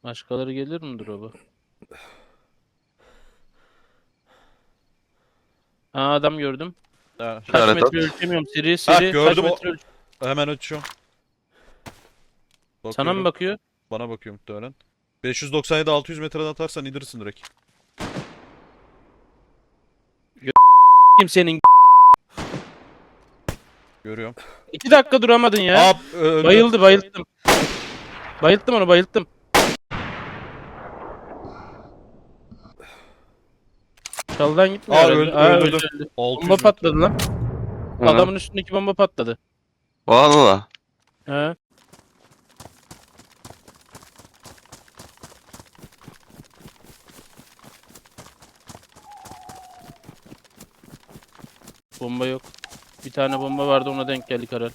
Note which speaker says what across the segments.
Speaker 1: Başkaları gelir mi drop'a? Aa, adam gördüm.
Speaker 2: Ha,
Speaker 1: Kaç
Speaker 3: İşaret
Speaker 1: metre
Speaker 3: at.
Speaker 1: ölçemiyorum. Seri
Speaker 2: ha
Speaker 1: seri. Kaç
Speaker 2: gördüm o.
Speaker 1: metre
Speaker 2: Hemen açıyorum.
Speaker 1: Sana mı
Speaker 2: Bakıyorum.
Speaker 1: bakıyor?
Speaker 2: Bana bakıyor muhtemelen. 597 600 metreden atarsan indirirsin direkt.
Speaker 1: Kim senin?
Speaker 2: Görüyorum.
Speaker 1: 2 dakika duramadın ya.
Speaker 2: Aa öldü.
Speaker 1: Bayıldım. Bayılttım onu, bayılttım. Çaldan gitmiyor
Speaker 2: Aa
Speaker 1: herhalde.
Speaker 2: öldürdüm.
Speaker 1: Öldü.
Speaker 2: 600
Speaker 1: Bomba
Speaker 2: metre.
Speaker 1: patladı lan.
Speaker 3: Ha.
Speaker 1: Adamın üstündeki bomba patladı.
Speaker 3: Valla.
Speaker 1: He. Bomba yok. Bir tane bomba vardı, ona denk geldik herhalde.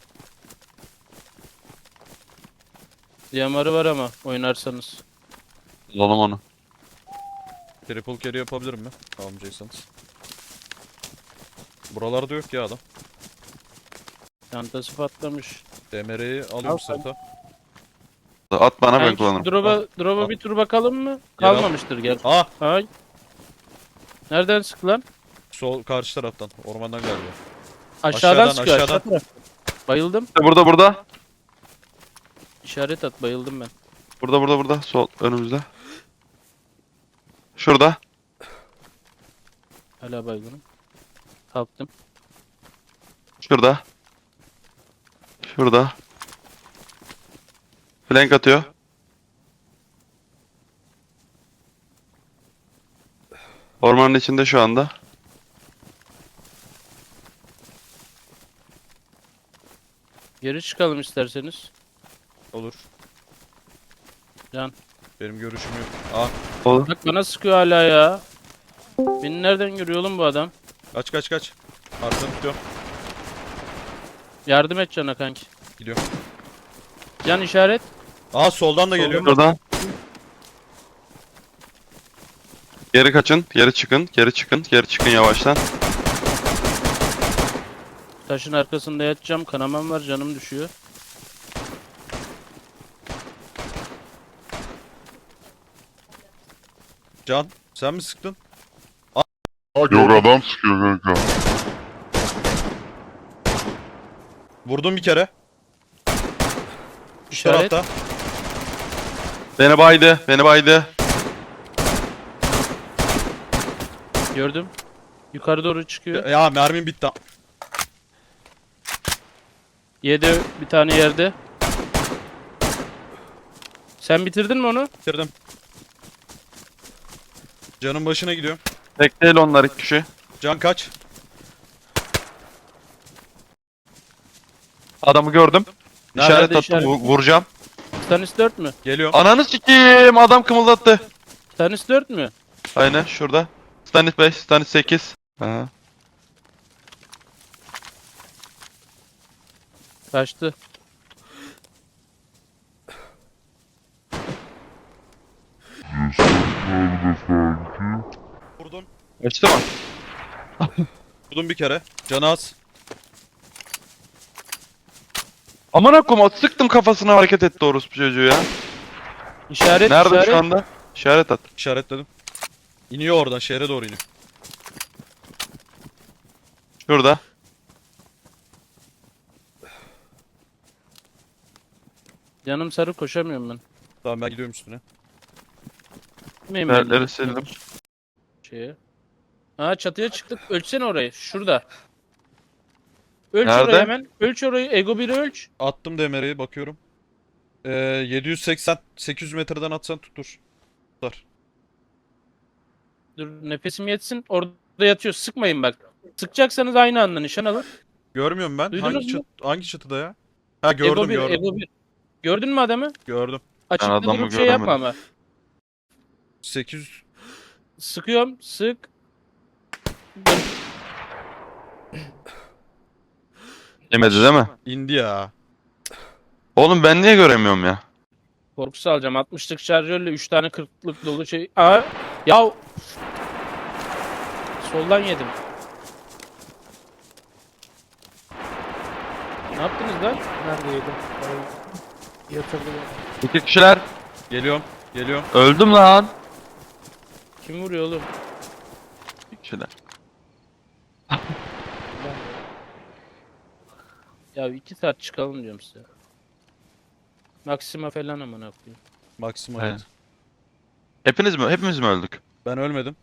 Speaker 1: DMR'ı var ama oynarsanız.
Speaker 3: Alalım onu.
Speaker 2: Triple carry yapabilirim mi? Almayacaksanız. Buralarda yok ya adam.
Speaker 1: Çantası patlamış.
Speaker 2: DMR'yi
Speaker 1: Al
Speaker 2: alıyorum
Speaker 1: sen.
Speaker 2: sırta.
Speaker 3: At bana ben
Speaker 1: Kanki,
Speaker 3: kullanırım.
Speaker 1: drop'a bir tur bakalım mı?
Speaker 2: Gel al.
Speaker 1: Kalmamıştır gel.
Speaker 2: Aa
Speaker 1: Ay. Nereden sık lan?
Speaker 2: sol karşı taraftan. Ormandan galiba.
Speaker 1: Aşağıdan
Speaker 2: Aşağıdan,
Speaker 1: sıkıyor, aşağı
Speaker 2: aşağıdan.
Speaker 1: taraf. Bayıldım.
Speaker 3: Burada.
Speaker 1: İşaret at, bayıldım ben.
Speaker 3: Burada. Sol önümüzde. Şurada.
Speaker 1: Hala baygınım. Kalktım.
Speaker 3: Şurada. Flank atıyor. Ormanın içinde şu anda.
Speaker 1: Geri çıkalım isterseniz.
Speaker 2: Olur.
Speaker 1: Can.
Speaker 2: Benim görüşüm yok. Aa
Speaker 3: Olur.
Speaker 1: Bak bana sıkıyor hala ya. Beni nereden görüyor oğlum bu adam?
Speaker 2: kaç. Arkadan tutuyorum.
Speaker 1: Yardım et Can'a kanki.
Speaker 2: Gidiyorum.
Speaker 1: Can işaret.
Speaker 2: Aa soldan da geliyor.
Speaker 3: Şurada. Geri kaçın. Geri çıkın yavaştan.
Speaker 1: Taşın arkasında yatacağım. Kanamam var, canım düşüyor.
Speaker 2: Can sen mi sıktın?
Speaker 4: Yok adam sıkıyor kanka.
Speaker 2: Vurdum bir kere. Şu
Speaker 1: İşaret.
Speaker 2: tarafta.
Speaker 3: Beni baydı.
Speaker 1: Gördüm. Yukarı doğru çıkıyor.
Speaker 2: Ya mermim bitti.
Speaker 1: Yedi bir tane yerde. Sen bitirdin mi onu?
Speaker 2: Bitirdim. Canın başına gidiyorum.
Speaker 3: Tek değil onlar, iki kişi.
Speaker 2: Can kaç.
Speaker 3: Adamı gördüm.
Speaker 2: Nerede?
Speaker 3: İşaret attım,
Speaker 1: İşaret.
Speaker 3: vuracağım.
Speaker 1: Stanis 4 mü?
Speaker 2: Geliyorum.
Speaker 3: Ananı sikeyim, adam kımıldattı.
Speaker 1: Stanis 4 mü?
Speaker 3: Aynen şurada. Stanis 5, Stanis 8. Aha.
Speaker 1: Kaçtı.
Speaker 4: Nerede sanki?
Speaker 2: Vurdum.
Speaker 3: Açtı mı?
Speaker 2: Vurdum bir kere. Canı az.
Speaker 3: Aman akım, sıktım kafasına, hareket etti orospu çocuğu ya.
Speaker 1: İşaret,
Speaker 3: Nerede
Speaker 1: işaret.
Speaker 3: şu anda? İşaret at.
Speaker 2: İşaretledim. İniyor oradan şehre doğru iniyor.
Speaker 3: Şurada.
Speaker 1: Canım sarı, koşamıyorum ben.
Speaker 2: Tamam ben gidiyorum üstüne.
Speaker 1: Gitmeyeyim
Speaker 3: Nerede
Speaker 1: ben.
Speaker 3: sildim.
Speaker 1: Şeye. Aa, çatıya çıktık. Ölçsene orayı. Şurada. Ölç
Speaker 3: Nerede?
Speaker 1: orayı hemen. Ölç orayı. Ego 1'i ölç.
Speaker 2: Attım DMR'yi bakıyorum. 780 800 metreden atsan tutur. Tutar.
Speaker 1: Dur nefesim yetsin. Orada yatıyor. Sıkmayın bak. Sıkacaksanız aynı anda nişan alın.
Speaker 2: Görmüyorum ben.
Speaker 1: Duydunuz mu?
Speaker 2: Hangi çatıda ya? Ha gördüm
Speaker 1: Ego 1,
Speaker 2: gördüm.
Speaker 1: Ego 1. Gördün mü adamı?
Speaker 2: Gördüm.
Speaker 1: Açıkta
Speaker 3: adamı
Speaker 1: durup şey yapma
Speaker 3: göremedim.
Speaker 1: ama.
Speaker 2: 800
Speaker 1: Sıkıyorum. Sık.
Speaker 3: Yemedi değil mi?
Speaker 2: indi ya.
Speaker 3: Oğlum ben niye göremiyorum ya?
Speaker 1: Korkusu alacağım. 60'lık şarjörle 3 tane 40'lık dolu şey. Aa, ya. Soldan yedim. Ne yaptınız lan?
Speaker 5: Nerede yedim? Yatırdım.
Speaker 3: İki kişiler.
Speaker 2: Geliyorum. Geliyorum.
Speaker 3: Öldüm lan.
Speaker 1: Kim vuruyor oğlum?
Speaker 3: Şeyler.
Speaker 1: Ya 2 saat çıkalım diyorum size. Maxima falan amına koyayım.
Speaker 2: Maksimum
Speaker 3: Aynen.
Speaker 2: evet.
Speaker 3: Hepimiz mi öldük?
Speaker 2: Ben ölmedim.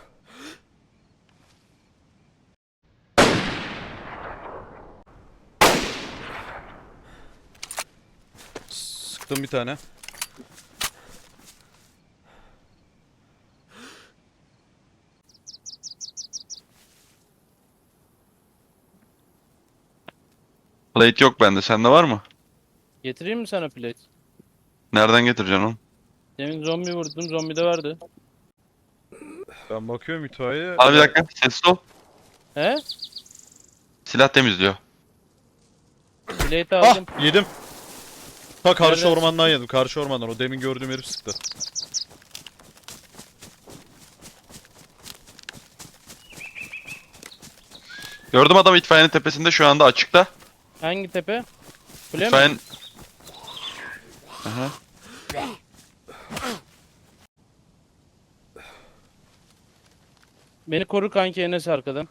Speaker 2: Sıktım bir tane.
Speaker 3: Plate yok bende. Sende var mı?
Speaker 1: Getireyim mi sana plate?
Speaker 3: Nereden getireceksin onu?
Speaker 1: Demin zombi vurdum. Zombi de vardı.
Speaker 2: Ben bakıyorum itfaiye.
Speaker 3: Abi bir dakika. Sessiz ol.
Speaker 1: He?
Speaker 3: Silah temizliyor.
Speaker 1: Plate
Speaker 2: Ah
Speaker 1: aldım.
Speaker 2: yedim. Ta karşı
Speaker 1: Nereden
Speaker 2: ormandan yedim. Karşı ormandan. O demin gördüğüm herif sıktı.
Speaker 3: Gördüm adam itfaiyenin tepesinde şu anda açıkta.
Speaker 1: Hangi tepe? Kule mi?
Speaker 3: İtfaiyenin... Aha.
Speaker 1: Beni koru kanki Enes arkadan.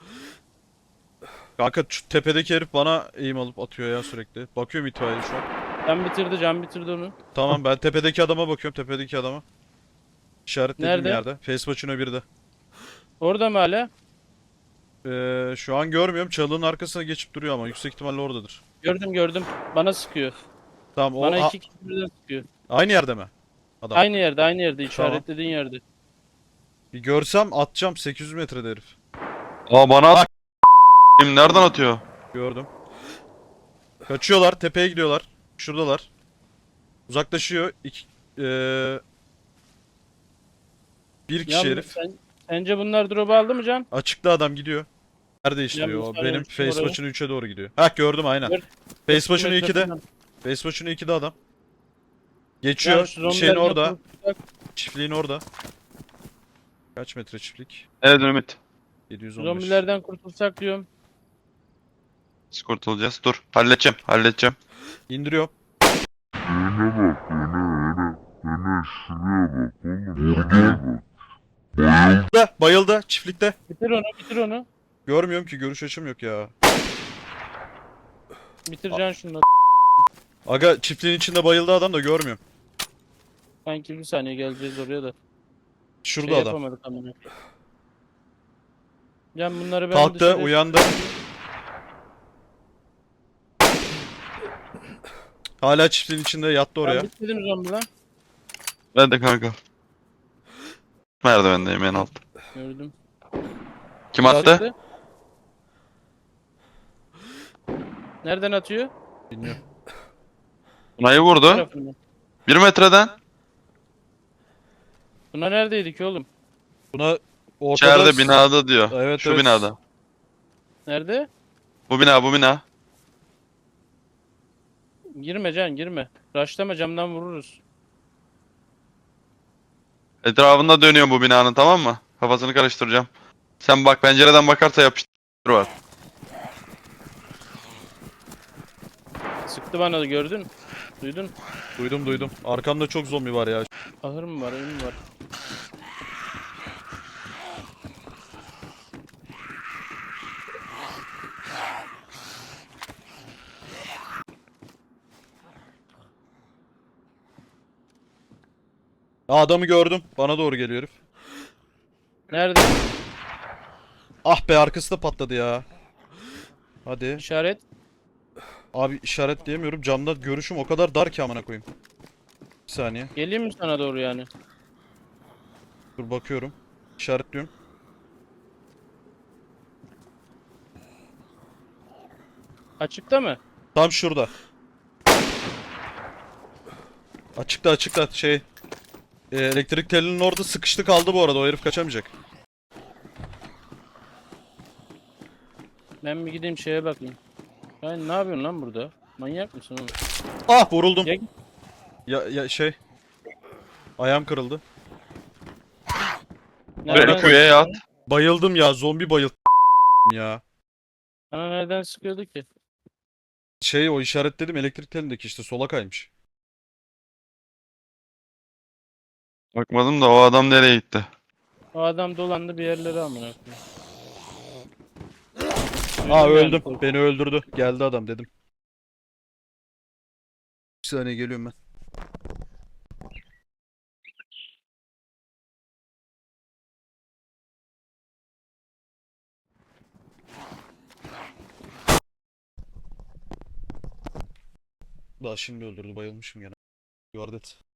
Speaker 2: Kanka şu tepedeki herif bana eğim alıp atıyor ya sürekli. Bakıyorum itfaiye şu an.
Speaker 1: Can bitirdi onu.
Speaker 2: Tamam ben tepedeki adama bakıyorum. Tepedeki adama. İşaretlediğim
Speaker 1: Nerede?
Speaker 2: yerde. Facebook'un birde.
Speaker 1: Orada mı hala?
Speaker 2: Şu an görmüyorum. Çalının arkasına geçip duruyor ama yüksek ihtimalle oradadır.
Speaker 1: Gördüm. Bana sıkıyor.
Speaker 2: Tamam o
Speaker 1: Bana iki kişi birden sıkıyor.
Speaker 2: aynı yerde mi? Adam.
Speaker 1: Aynı yerde işaretlediğin yerde.
Speaker 2: Bir görsem atacağım 800 metrede herif.
Speaker 3: Aa bana at. Nereden atıyor?
Speaker 2: Gördüm. Kaçıyorlar, tepeye gidiyorlar. Şuradalar. Uzaklaşıyor. Bir kişi
Speaker 1: Ya
Speaker 2: herif.
Speaker 1: sence bunlar drop aldı mı Can?
Speaker 2: Açıkta adam gidiyor. Nerede işliyor?
Speaker 1: Ya,
Speaker 2: O
Speaker 1: bir
Speaker 2: benim
Speaker 1: saniye,
Speaker 2: face
Speaker 1: oraya.
Speaker 2: maçını 3'e doğru gidiyor. Hah gördüm aynen.
Speaker 1: Gör-
Speaker 2: Face maçını
Speaker 1: Metre
Speaker 2: 2'de.
Speaker 1: falan.
Speaker 2: Face maçını 2'de adam.
Speaker 1: Ya
Speaker 2: Geçiyor.
Speaker 1: şu
Speaker 2: Şeyin
Speaker 1: zombilerden
Speaker 2: orada.
Speaker 1: kurtulsak-
Speaker 2: Çiftliğin orada. Kaç metre çiftlik?
Speaker 3: Evet Ümit.
Speaker 2: 715.
Speaker 1: Zombilerden kurtulsak diyorum.
Speaker 3: Biz kurtulacağız. Dur. Halledeceğim.
Speaker 2: İndiriyor.
Speaker 4: Öne bak öne. Öne şuraya bak oğlum. Burada bak. Bayıldı.
Speaker 2: Bayıldı. Çiftlikte.
Speaker 1: Bitir onu.
Speaker 2: Görmüyorum ki görüş açım yok ya.
Speaker 1: Bitir Can şunu.
Speaker 2: Aga çiftliğin içinde bayıldı adam da görmüyorum.
Speaker 1: Sanki bir saniye geleceğiz oraya da.
Speaker 2: Şurada
Speaker 1: Şey
Speaker 2: adam.
Speaker 1: yapamadık amına. Can bunları ben
Speaker 2: Kalktı,
Speaker 1: dışarı-
Speaker 2: uyandı. Hala çiftliğin içinde yattı oraya.
Speaker 1: Ben bitmedim zombi lan.
Speaker 3: Ben de kanka. Merdivendeyim en alt.
Speaker 1: Gördüm.
Speaker 3: Kim attı?
Speaker 1: Sıktı. Nereden atıyor?
Speaker 2: Bilmiyorum.
Speaker 3: Bunayı vurdu.
Speaker 1: Tarafından.
Speaker 3: 1 metreden.
Speaker 1: Buna neredeydi ki oğlum?
Speaker 2: Buna ortada...
Speaker 3: İçeride binada diyor.
Speaker 2: Evet,
Speaker 3: Şu
Speaker 2: evet.
Speaker 3: binada.
Speaker 1: Nerede?
Speaker 3: Bu bina.
Speaker 1: Girme Can girme. Raşlama camdan vururuz.
Speaker 3: Etrafında dönüyor bu binanın, tamam mı? Kafasını karıştıracağım. Sen bak, pencereden bakarsa yapıştır var.
Speaker 1: Sıktı bana da gördün. Duydun.
Speaker 2: Duydum. Arkamda çok zombi var ya.
Speaker 1: Ahır mı var, ev mi var?
Speaker 2: Aa, adamı gördüm. Bana doğru geliyor herif.
Speaker 1: Nerede?
Speaker 2: Ah be arkası da patladı ya. Hadi.
Speaker 1: İşaret.
Speaker 2: Abi işaretleyemiyorum. Camda görüşüm o kadar dar ki amına koyayım. Bir saniye.
Speaker 1: Geleyim mi sana doğru yani?
Speaker 2: Dur bakıyorum. İşaretliyorum.
Speaker 1: Açıkta mı?
Speaker 2: Tam şurada. Açıkta şey. Elektrik telinin orada sıkıştı kaldı bu arada. O herif kaçamayacak.
Speaker 1: Ben bir gideyim şeye bakayım. Sen ne yapıyorsun lan burada? Manyak mısın oğlum?
Speaker 2: Ah vuruldum.
Speaker 1: Ya-
Speaker 2: Ya şey. Ayağım kırıldı.
Speaker 1: Nereden
Speaker 3: Beni kuyuya at.
Speaker 1: sıkıyordu?
Speaker 2: Bayıldım ya. Zombi bayıldım ya.
Speaker 1: Bana nereden sıkıyordu ki?
Speaker 2: Şey o işaretledim elektrik telindeki işte sola kaymış.
Speaker 3: Bakmadım da o adam nereye gitti?
Speaker 1: O adam dolandı bir yerlere amına koyayım.
Speaker 2: Aa
Speaker 1: Öldüm
Speaker 2: öldüm.
Speaker 1: yani.
Speaker 2: Beni öldürdü. Geldi adam dedim. Bir saniye geliyorum ben. Daha şimdi öldürdü. Bayılmışım gene. Yuvardet.